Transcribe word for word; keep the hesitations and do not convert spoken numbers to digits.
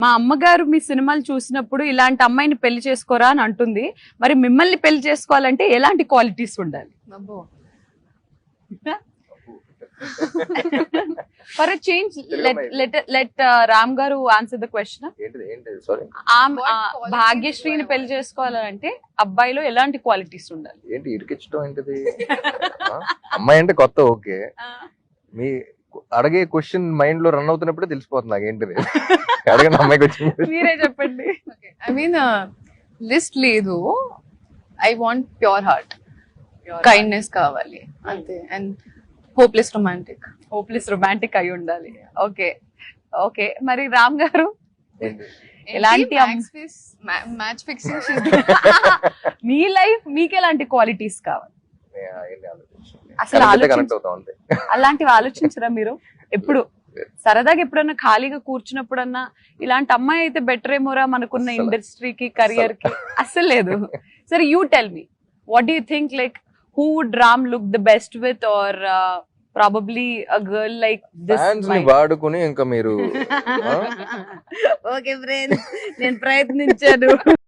మా అమ్మగారు మీ సినిమాలు చూసినప్పుడు ఇలాంటి అమ్మాయిని పెళ్లి చేసుకోరా అని అంటుంది. మరి మిమ్మల్ని పెళ్లి చేసుకోవాలంటే ఎలాంటి క్వాలిటీస్ ఉండాలి? అబ్బో for change let let Ram గారు ఆన్సర్ ద క్వశ్చన్. ఏంటిది ఏంటిది సారీ భాగ్యశ్రీని పెళ్లి చేసుకోవాలంటే అబ్బాయిలో ఎలాంటి క్వాలిటీస్ ఉండాలి? ఏంటి ఇరికించడం ఏంటిది? ఆ? అమ్మాయి అంటే కొత్త ఓకే, మీ అడిగే క్వశ్చన్ మైండ్ లో రన్ అవుతున్నప్పుడే తెలిసిపోతుంది నాకు ఏంటిది. అడగండి అమ్మాయికి వచ్చింది. మీరే చెప్పండి. ఐ మీన్ లిస్ట్ లేదు. I want pure heart, kindness కావాలి అంతే. And hopeless romantic. Hopeless romantic అయి ఉండాలి. ఓకే ఓకే మరి రామ్ గారు ఏంటి? ఎలాంటి మ్యాచ్ ఫిక్సింగ్ మీ లైఫ్ మీకు ఎలాంటి క్వాలిటీస్ కావాలి? నే- అవన్నీ ఆలోచించను. అసలు కరెక్ట్ ఆలోచించ- కనెక్ట్ అవుతాం అంతే. అలాంటివి ఆలోచించరా మీరు ఎప్పుడు? సరదాగా ఎప్పుడన్నా ఖాళీగా కూర్చున్నప్పుడన్నా ఇలాంటి అమ్మాయి అయితే బెటర్ ఏమోరా మనకున్న అస్సలు. ఇండస్ట్రీకి కెరియర్ కి? అస్సలు లేదు. సరే you tell me, what do you think, like who would Ram look the best with, or probably a girl like this? Fans ని వాడుకుని ఇంకా మీరు ఆ? ఓకే ఫ్రెండ్స్, నేను ప్రయత్నించాను.